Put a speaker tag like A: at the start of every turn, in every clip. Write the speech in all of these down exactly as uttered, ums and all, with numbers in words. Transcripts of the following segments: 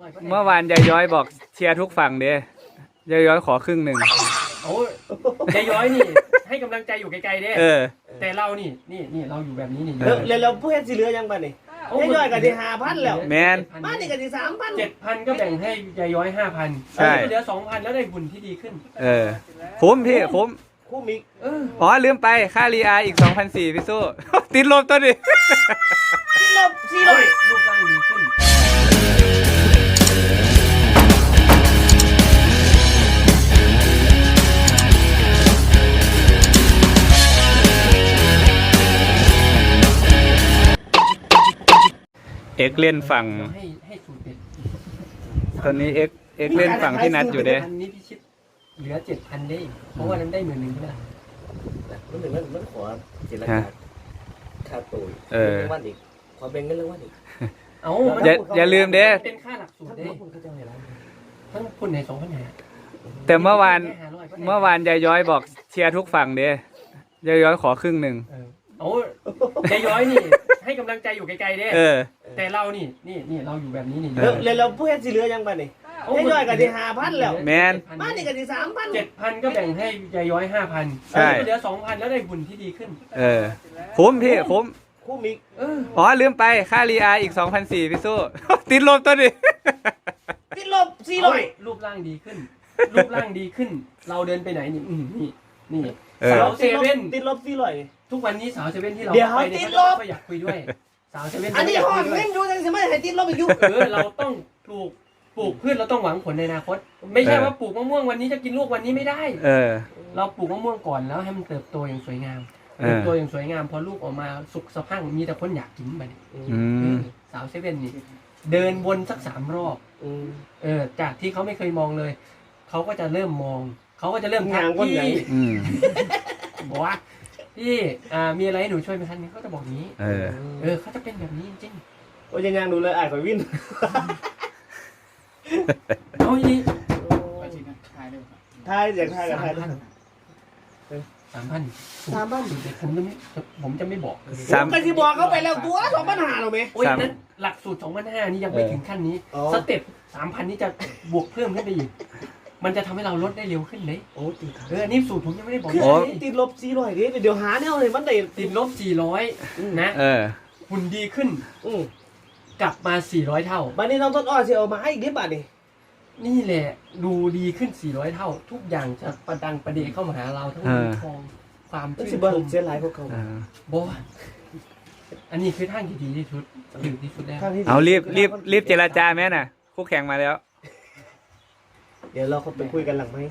A: เมื่อวานยายย้อยบอกเชียร์ทุกฝั่งเด้ยายย้อยขอครึ่งหนึ่ง
B: โอ้ยายย้อยนี่ให้กำลังใจอยู่ไกลๆเด้
A: เออ
B: แต่เรานี่นี่นี่เราอยู่แบบนี้นี่
C: แล้วแล้วผู้เฮ็ดสิเหลือยังบ้านี่ยายย้อยก็ที่ห้าพันแล้ว
A: แมน
C: บ้านนี่ก็ที่สามพัน
B: เจ็ดพันก็แบ่งให้ยายย้อยห้าพัน
A: ใช่
B: เหลือสองพันแล้วได้บุญที่ดีขึ้น
A: เออคุ้มพี่คุ้ม
C: คุ้มอีก
A: อ๋อลืมไปค่ารีอาอีกสองพันสี่พี่สู้ติดลบตัวดิ
C: ติดลบสี่ร้อย
B: รูปร่างดีขึ้น
A: เอ็กเล่นฝั่งตอนนี้เอ็กเอ็กเล่นฝั่งที่นัดอยู่เด้
B: อันนี้พี่ชิดเหลือเจ็ดพันได้เพราะว่านั้นได้หมื่นหนึ่งใช่ไหม
C: มันถึงมันมันขอเจรจาค่าตัวเออวันอีกขอแบ่งเงินเรื่องวันอีก
B: เอา
A: อย่าอย่าลืมเด้
B: เป็นค่าหลักสูตรเด้ทั้งคนในสองพันหา
A: แต่เมื่อวานเมื่อวานยายย้อยบอกเชียร์ทุกฝั่งเด้ยายย้อยขอครึ่งหนึ่ง
B: โอ้ยายย้อยนี่ให้กำลังใจอยู่ไกลๆเด้
A: เออ
B: แต่เรานี่นี่นี่เราอยู่แบบนี้นี่
C: แล้วแล้วผู้เฮ็ดสิเหลือยังบ้านี่ยายย้อยก็ที่ห้าพันแล้ว
A: แมน
C: บ้านนี่ก็ที่สามพัน
B: เจ็ดพันก็แบ่งให้ยายย้อยห้าพัน
A: ใช่
B: เหลือสองพันแล้วได้บุญที่ดีขึ้น
A: เออคุ้มพี่คุ้ม
C: คุ้มอีก
A: อ๋อลืมไปค่ารีอาอีกสองพันสี่พี่สู้ติดลบตัวดิ
C: ติดลบสี่ร้อย
B: รูปร่างดีขึ้นรูปร่างดีขึ้นเราเดินไปไหนนี่นี่นี่สาวเซเว่น
C: ติดลบสี่ร้อย
B: ทุกวันนี้สาวเซเว่นที่เรา
C: ไปเนี่ยเขา
B: ก็อยากคุยด้วยสาวเซเว่น
C: อันนี้ห้องเล่นอยู่ยังไม่ให้ติดลบอีกอยู่
B: เออเราต้องปลูกปลูกพืชเราต้องหวังผลในอนาคตไม่ใช่ว่าปลูกมะม่วงวันนี้จะกินลูกวันนี้ไม่ได้
A: เออ
B: เราปลูกมะม่วงก่อนแล้วให้มันเติบโตอย่างสวยงามเติบโตอย่างสวยงามพอลูกออกมาสุกสะพรั่งมีแต่คนอยากกินไปสาวเซเว่นนี่เดินวนสักสามรอบเออจากที่เขาไม่เคยมองเลยเขาก็จะเริ่มมองเขาก็จะเริ่มทักพี่บอกว่าพี่มีอะไรให้หนูช่วยไหมคะนี่เขาจะบอกนี้เออเออเขาจะเป็นแบบนี้จริง
C: โอ้ยยังดูเลยอ่านข่อยวิ่ง
B: เอาอีก
C: ทายอยากทายกับทาย
B: สามพันสามพันผมจะไม่ผมจะไม่บอก
C: สามพันที่บอกเขาไปแล้วตัวสองพันห้าหรอไหม
B: โอ้ยนั้นหลักสูตรสองพันห้านี่ยังไม่ถึงขั้นนี้สเต็ปสามพันนี่จะบวกเพิ่มขึ้นไปอีกมันจะทำให้เราลดได้เร็วขึ้นเลย
C: โอ้ติด
B: เออนี่สูตรผมยังไม่ได้บอก
C: คือติดลบสี่ร้อยดิเดี๋ยวหาแนวเลยมันได้
B: ติดลบสี่ร้อยนะ
A: เออ
B: หุ่นดีขึ้นกลับมาสี่ร้อยเท่า
C: บัดนี้น้องต้นอ้อสิเอามาให้อีกนิดบาทนี่
B: นี่แหละดูดีขึ้นสี่ร้อยเท่าทุกอย่างจะประดังประเดเข้ามาหาเราทั้งเงินทองความชื่นชม
C: เสียหลายพวกเขา
B: บอกว่าอันนี้คือทางที่ดีที่สุดถึงที่สุดแล้ว
A: เอารีบรีบรีบเจรจาแม่น่ะคู่แข่งมาแล้ว
C: เดี๋ยวเราเขาไปคุยกันหลังไหม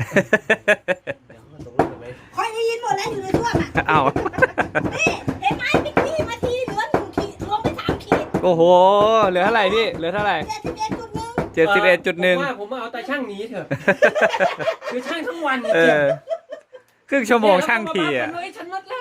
D: คอยได้ยินหมดแล้วอยู่ในช่วงอ่ะ
A: อ้าว
D: นี่เห็นไหมพี่พี่มาทีเหลือหนึ่งขีดลงไปสามขีด
A: โอ้โหเหลือเท่าไหร่พี่เหลือเท่าไหร่
D: เจ็ดสิบเอ็ดจุดหนึ่ง
A: เจ็ดสิบเอ็ดจุดหนึ่ง
B: ผมว่าผมเอาแต่ช่างหนีเถอะคือช่างทั้งวัน
A: เออครึ่งชั่วโมงช่างทีอ่ะ
B: ฉันลดแล้ว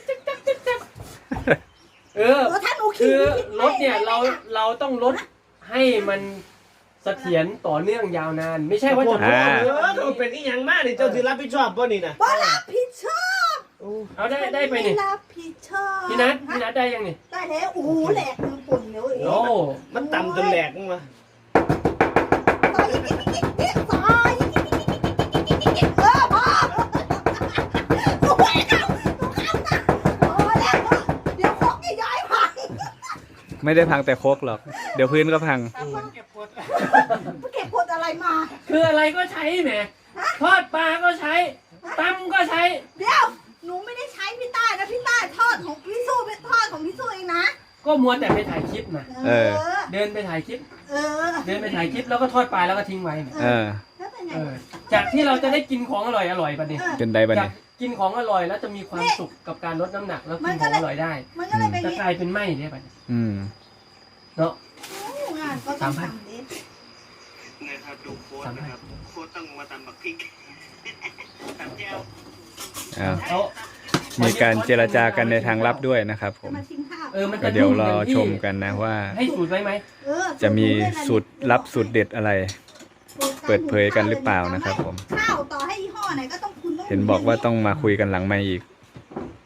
B: เออคือรถเนี่ยเราเราต้องลดให้มันเสถียรต่อเนื่องยาวนานไม่ใช่ว่าจะ
C: เออเป็นอีหยังมากนี่เจ้าถือรับผิดชอบป่ะนี่นะ
D: บ่รับผิดชอบ
B: เอาได้ได้ไปนี่
D: รับผิดชอบ
B: พี่นัทพี่นัทได้ยังนี่
D: ได้แล้วโอ้โหแหลกมันปุ่นเลย
B: โอ้
C: มันต่ำจนแหลกมา
D: ต่อยต่อยเออพ่อกูแหวกเอากูเข้าตาโอ้แล้วเดี๋ยวโคกจะย้ายพัง
A: ไม่ได้พังแต่โคกหรอกเดี๋ยวพื้นก็พัง
D: เก็บกดอะไรมา
B: คืออะไรก็ใช้แหมทอดปลาก็ใช้ตำก็ใช้
D: เดี๋ยวหนูไม่ได้ใช้พี่ต้านะพี่ต้าทอดของพี่สู้เป็นทอดของพี่สู้เองนะ
B: ก็มัวแต่ไปถ่ายคลิปนะ
A: เออ
B: เดินไปถ่ายคลิป
D: เออ
B: เดินไปถ่ายคลิปแล้วก็ทอดปลาแล้วก็ทิ้งไว้
A: เออ
B: จากที่เราจะได้กินของอร่อยอร่อยประเดี๋ยว
A: จนได้ประเดี๋ยว
B: กินของอร่อยแล้วจะมีความสุขกับการลดน้ำหนักแล้วกินของอร่อยได้จะกลายเป็นไหมเนี่ยประเดี๋ยว
A: อืม
B: เนาะ
D: สามพัน
E: นะครับดูโค้ดนะครับโค้ดต้องมาตำบักพริกตำแก้ว
A: เอามีการเจรจากันในทางลับด้วยนะครับผมก็เดี๋ยวรอชมกันนะว่า
B: ให้สูตรไว้ไหม
A: จะมีสูตรลับสูตรเด็ดอะไรเปิดเผยกันหรือเปล่านะครับผม
D: ข้าวต่อให้ยี่ห้อไหนก็ต้องคุณต้อง
A: เห็นบอกว่าต้องมาคุยกันหลังไมค์อีก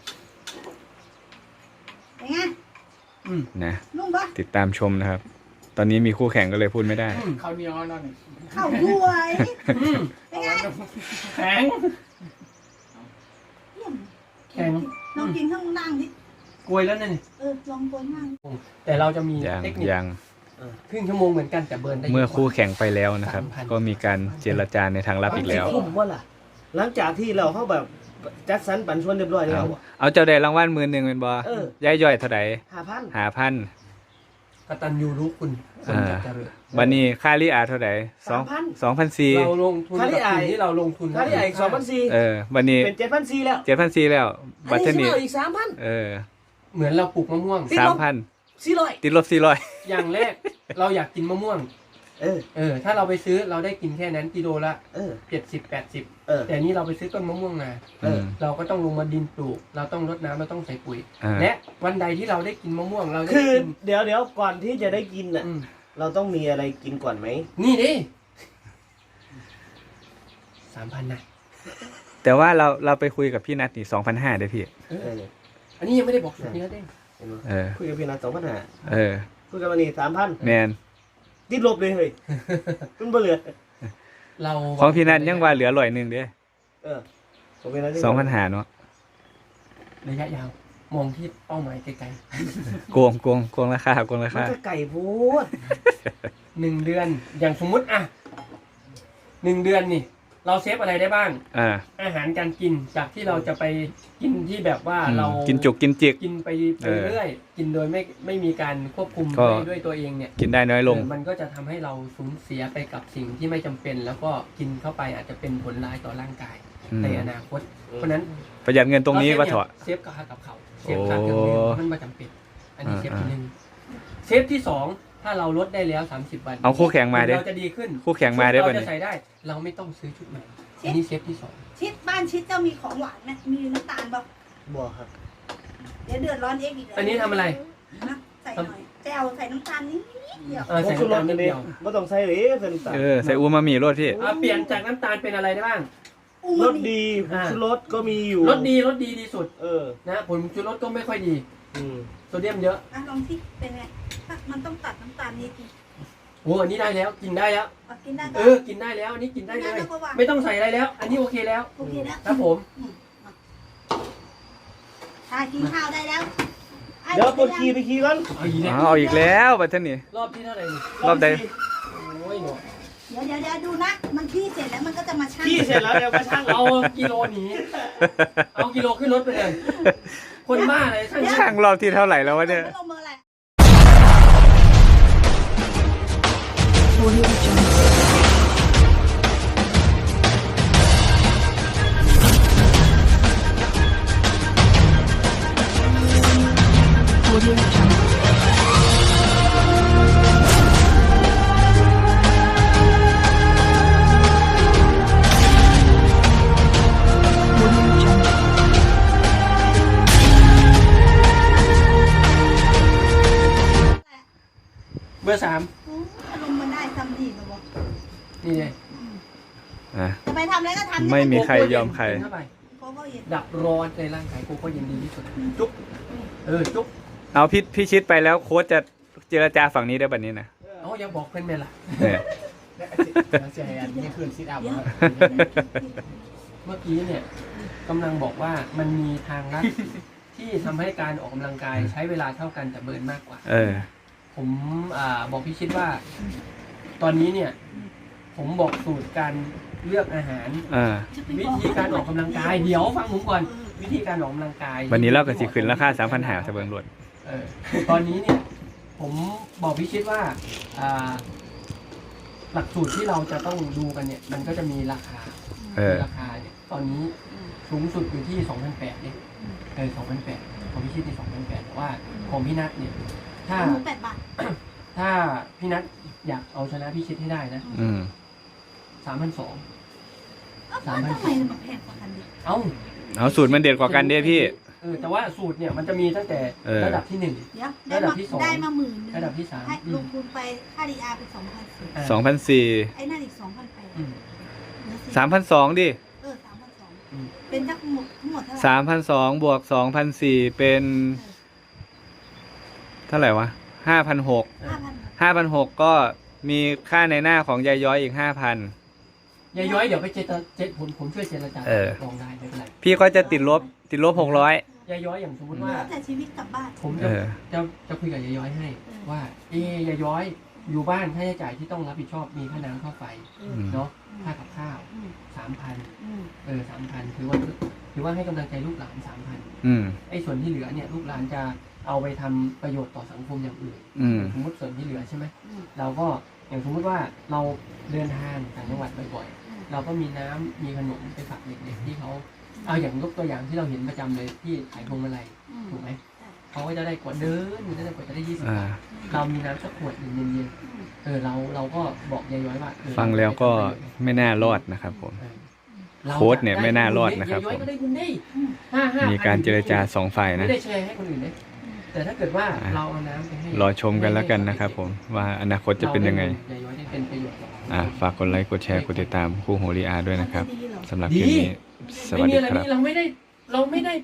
A: นะติดตามชมนะครับอนนี้มีคู่แข่งก็เลยพูดไม่ได้
F: ข้าวเหนียวนั่นนี่
D: ข้าวด้วย
B: อืม
D: เป็นไง
B: แข็ง
D: เยี่ยม
B: แข็ง
D: ลองกินข้างล่างดิ
B: กลวยแล้วนั่นนี่
D: เออลองกวนล่าง
B: แต่เราจะมี
A: ยัง
B: เทคนิค
A: ยัง
B: ครึ่งชั่วโมงเหมือนกันแต่เบิร์นได้
A: เมื่อ
B: เยะกว่า
A: คู่แข่งไปแล้วนะครับ
B: สามพัน
A: ก็มีการเจรจาในทางลับอีกแล้ว
C: ผมว่าล่ะ หลังจากที่เราเข้าแบบจัดสรรปันส่วนเรียบร้อยแล้
A: เอา
C: วอะ
A: เอาเจ้าได้รางวัลหมื่นหนึ่งเป็นบอ
C: เออ
A: ย้ายย่อยเท่าไหร่
C: ห้าพัน
A: หาพัน
B: กตัญญูรู้คุณคนจะเจริญ
A: วันนี้ค่าลิอาเท่าไหร่สองสองพันสี่
B: เราลงทุน
C: ค่า
B: กับ
C: ที่อาย
B: สิ่งที่เราลงทุน
C: ค่าที่ไอ้สองพันสี่
A: เออ วันนี้
C: เป็นเจ็ดพันสี่แล้ว
A: เจ็ดพันสี่แล้ว
C: อั
A: บั
C: น
A: ต
C: นี้
A: ร
C: สิ
A: นี้
C: เอาอีกสามพัน
A: เออ
B: เหมือนเราปลูกมะม่วง
C: ติด
A: สา
C: ล
A: ม
C: บ
A: พัน
C: สี่ร้อย
A: ติดลบสี่ร้อย
B: อย่างแรกเราอยากกินมะม่วง
C: เออ
B: เออ ถ้าเราไปซื้อเราได้กินแค่นั้นกิโลละ
C: เออ
B: เจ็ดสิบแปดสิบ
C: เออ
B: แต่นี้เราไปซื้อต้นมะม่วงมา
C: เออ
B: เราก็ต้องลงมาดินปลูก เราต้องรดน้ำเราต้องใส่ปุ๋ย
A: อ่า
B: และวันใดที่เราได้กินมะม่วงเราจะ
C: คื
B: ได้
C: อ
B: กิน
C: เดี๋ยวเดี๋ยวก่อนที่จะได้กินน่ะ
B: อืม
C: เราต้องมีอะไรกินก่อนไหม
B: นี่ดิสามพันนะ
A: แต่ว่าเราเราไปคุยกับพี่นัทนี่สองพันห้าได้พี่
B: เอ
C: เอ
B: อ
C: อ
B: อันนี้ยังไม่ได้บอกสุดนี้นะเด้ง
C: เห็นไหม
A: เออ
C: คุยกับพี่นัทสองพันห้า
A: เออ
C: คุยกับมันนี่สามพัน
A: แมน
C: ติดลบเลยเฮ้ยมันเบื่อ
B: เรา
A: ของพี่นัทยังว่าเหลือร้อยหนึ่งเด้
C: เออผมเป็นอะไร
A: สองพันหาเนาะ
B: ระยะยาว มองที่เป้าหมายไกล
A: โกงโกงโกงราคาโกงรา
C: มัน
A: คา
C: ก็ไก่พูด
B: ๆหนึ่งเดือน อย่างสมมุติอ่ะหนึ่งเดือนนี่ เราเซฟอะไรได้บ้าง
A: อ่า
B: อาหารการกินจากที่เราจะไปกินที่แบบว่า
A: อืม
B: เรา
A: กินจุกกินจิก
B: กินไปไป
A: เออ
B: เรื่อยกินโดยไม่ไม่มีการควบคุม
A: ก็
B: ด้วยด้วยตัวเองเนี่ย
A: กินได้น้อยลง
B: เออมันก็จะทำให้เราสูญเสียไปกับสิ่งที่ไม่จำเป็น แล้วก็กินเข้าไปอาจจะเป็นผลร้ายต่อร่างกาย
A: อืม
B: ในอนาคต เพราะฉะนั้น
A: ประหยัดเงินตรงนี้ว่าเถอะ
B: เซฟกับค่ากับเขาเซฟค่าเครื่องดื่ม
A: โอ้
B: มันไม่จำเป็น อันนี้
A: อ่า
B: เซฟที่หนึ่งเซฟที่สองถ้าเราลดได้แล้วสามสิบวัน
A: เอาคู่แข่งมาเด้
B: เราจะดีขึ้น
A: คู่แข่งมาได้
B: ชุ
A: ป่ะ
B: เรา
A: เนี่
B: จะ
A: ย
B: ใส่ได้ เราไม่ต้องซื้อชุดใหม่อันนี้เซฟที่สอง
D: ชิดบ้านชิดเจ้ามีของหวานไหมมีน้ำตาลป่ะ
C: บ่ครับ
D: เดี๋ยวเดือดร้อนเองอีกเลย
B: อันนี้ทำอะไร
D: นะใส่หน่อยแจวใส่น้ำตาลนิดเดียว
B: เออ
C: ผ
B: ใส่
C: งชูร
B: น้ำ
C: ส
B: ตาลนิ
C: นี่
B: ด
C: เดี
B: เดี
C: ย
B: ยว ว
C: ไม่ต้องใส่หรือใส่น้ำตาล
A: เออใส่อูมามิรสพี่
B: อ่ะเปลี่ยนจากน้ำตาลเป็นอะไรได้บ้าง
D: อู
C: ร
D: มา
C: ส
D: มิ
C: ดีผ
B: อ่า
C: งชูรสก็มีอยู่
B: รสดีรสดีดีสุด
C: เออ
B: นะผลชูรสก็ไม่ค่อยดี
C: อืม
B: โซเดียมเยอะ
D: อ่ะลองที่เป็นไงมันต้องตัดน้ำตาลนิดนึง
B: โอ้อันนี้ได้แล้วกินได้แล้ว
D: เอากินได้ก็
B: เออกินได้แล้วอันนี้กินได้เลย
D: กินได้แล้วก็วาง
B: ไม่ต้องใส่อะไรแล้ว อันนี้โอเคแล้ว
D: โอเคแล้ว
B: ครับผม
D: อืมมาทานกินข้าวได้แล้วไอ้
C: เดี๋ยวปวดขี้ไปขี้ก่อน
B: เอาอีกแล้ว
A: อ๋อเอาอีกแล้วบัตรนี่
B: รอบที่เท่าไหร่นี่
A: รอบใด
B: โอ้ยหนู
D: เดี๋ยวเดี๋ยวเดี๋ยวดูนะ มันขี้เสร็จแล้วมันก็จะมาชั่ง
C: ขี้เสร็จแล้วเดี๋ยวก็ช่างเรา
B: เอากิโลหนีเอากิโลขึ้นรถไปเลย คนบ้าอะไรช่าง
A: ช่างรอบที่เท่าไหร่แล้ววะเนี่ย
D: ไม่ลงมืออะไร
B: เบอร์สาม
D: อืมอารมณ์มันได้ทำดีมาบอก
B: นี่ไง
A: อ่ะ
D: จะไปทำอะไรก็ทำ
A: ไม่มีใครยอมใคร
B: กินเข้าไป
D: โกโก้เย็น
B: ดับร้อนในร่างกายโกโก้เย็นดีที่สุดจุ๊บเออจุ๊บ
A: เอาพี่พี่ชิดไปแล้วโค้ชจะเจรจาฝั่งนี้ได้แบบนี้นะ
B: เอาอย่าบอกเพื่อนแม่ล่ะ
A: เนี่ย
F: เสียอันนี้คืนซิดอัพ
D: เดี๋ยว
B: เมื่อกี้เนี่ยกำลังบอกว่ามันมีทางลัด ที่ทำให้การออกกำลังกายใช้เวลาเท่ากันแต่เบิร์นมากกว่า
A: เออ
B: ผมอ่าบอกพี่ชิดว่า ตอนนี้เนี่ย ผมบอกสูตรการเลือกอาหาร
A: อ่า
B: วิธีการออกกำลังกายเดี๋ยวฟังผมก่อน วิธีการออกกำลังกาย
A: วันนี้เราก็สิขึ้นราคาสามพันหาจะเบิ่งรวด
B: เออตอนนี้เนี่ย ผมบอกพี่ชิดว่าอ่า หลักสูตรที่เราจะต้องดูกันเนี่ย มันก็จะมีราคา
A: เออ
B: ราคาเนี่ยตอนนี้สูงสุดอยู่ที่สองพันแปดเนี่ยเออสองพันแปดของพี่ชิดที่สองพันแปดแต่ว่าของพี่นัทเนี่ย ถ้า
D: หมูแปดบาท
B: ถ้าพี่นัทอยากเอาชนะพี่ชิดให้ได้นะ
A: อืม
B: สามพันสอง
D: เอ้า
B: สามพัน
D: ทำไมมันแพงกว่ากันดิ
B: เอ้า
A: เอาสูตรมันเด็ดกว่ากันเด้พี่
B: เออแต่ว่าสูตรเนี่ยมันจะมีตั้งแต่
A: เออ
B: ระดับที่หนึ่ง
D: เดี๋ยวได้
B: ระดับ
D: มา
B: ที่สอง
D: ได้มาหมื่นหนึง
B: ระดับที่สาม
D: ให้
B: อื
D: ล
B: ม
D: งทุนไปค่าดีอาร์เป็นสองพันสี่
B: อ่า
A: สองพันสี่
D: ไอ้นั่นอีกสองพันแปด
B: อืม
A: สามพันสองดิ
D: เออสามพันสอง
B: อืม
D: เป็นทั้งหมดทั้งหมดเท่าไหร่
A: สามพันสองบวกสองพันสี่เป็น เท่าไหร่วะห้าพันหก
D: ห้าพัน
A: ห้าพันหกก็มีค่าในหน้าของยายย้อยอีกห้าพัน
B: ยายย้อยเดี๋ยวไปเจตเจผมผมช่วยเจรจา
A: เออ
B: ลองได้ไม่เป็นไร
A: พี่ก็จะติดลบติดลบหกร้อย
B: ยายย้อยอย่างสมมติว่า
D: แล้วแต่ชีวิตกลับบ้าน
B: ผม
A: เอ
B: จะ
A: อ
B: จะจะคุยกับยายย้อยให้ ว่า เอ๊ยยายย้อยอยู่บ้านค่าใช้จ่ายที่ต้องรับผิดชอบมีค่าน้ำค่าไฟ
D: อื
A: อื
D: ม
A: ม
B: เนาะค่ากับข้าว
D: อืม
B: สามพัน
D: อืม
B: เออสามพันถือว่าถือว่าให้กำลังใจลูกหลานสามพัน
A: อืม
B: ไอ้ส่วนที่เหลือเนี่ยลูกหลานจะเอาไปทำประโยชน์ต่อสังคมอย่างอื่น
A: อืม
B: สมมติส่วนที่เหลือใช่ไหม
D: อืม
B: เราก็อย่างสมมติว่าเราเดินทางต่างจังหวัดบ่อย
D: อืม
B: ๆ เราก็มีน้ำมีขนมไปฝากเด็กๆที่เขาเอาอย่างยกตัวอย่างที่เราเห็นประจำเลยที่ขายพวงมาลัย
D: อืม
B: ถูกไหมเขาก็จะได้กว่าเดินจะได้กว่าจะได้ยี่สิบ
A: อ่า
B: บาทเรามีน้ำสักขวดหนึ่งเย็นๆเออเราเราก็บอกยายย้อยว่าเออ
A: ฟังแล้วก็ไม่น่ารอดนะครับผม
B: เออเรา
A: โค้ดเนี่ยไม่น่ารอดนะครับ
B: ยายย้อย
A: ผม
B: ก็ได้บุญได้ห้าห้า
A: มีการเจรจาสองฝ่าย
B: ไม่
A: นะ
B: ได้แชร์ให้คนอื่นเลยแต่ถ้าเกิดว่า
A: อ่ะ
B: เราเอาน้ำไปให้
A: รอชมกันแล้วกันนะครับผมว่าอนาคตจะเป็นยังไง
B: ยายย้อยได้เป็นประโยชน์ต่อ
A: อ่าฝากกดไลค์กดแชร์กดติดตามคู่โหรีอาด้วยนะครับ
D: ดีเหรอ
A: สำหรับคลิปนี้ส
B: ไม่
A: วัส
B: มี
A: ดี
B: อะไร
A: ครับ
B: นี่เราไม่ได้เราไม่ได้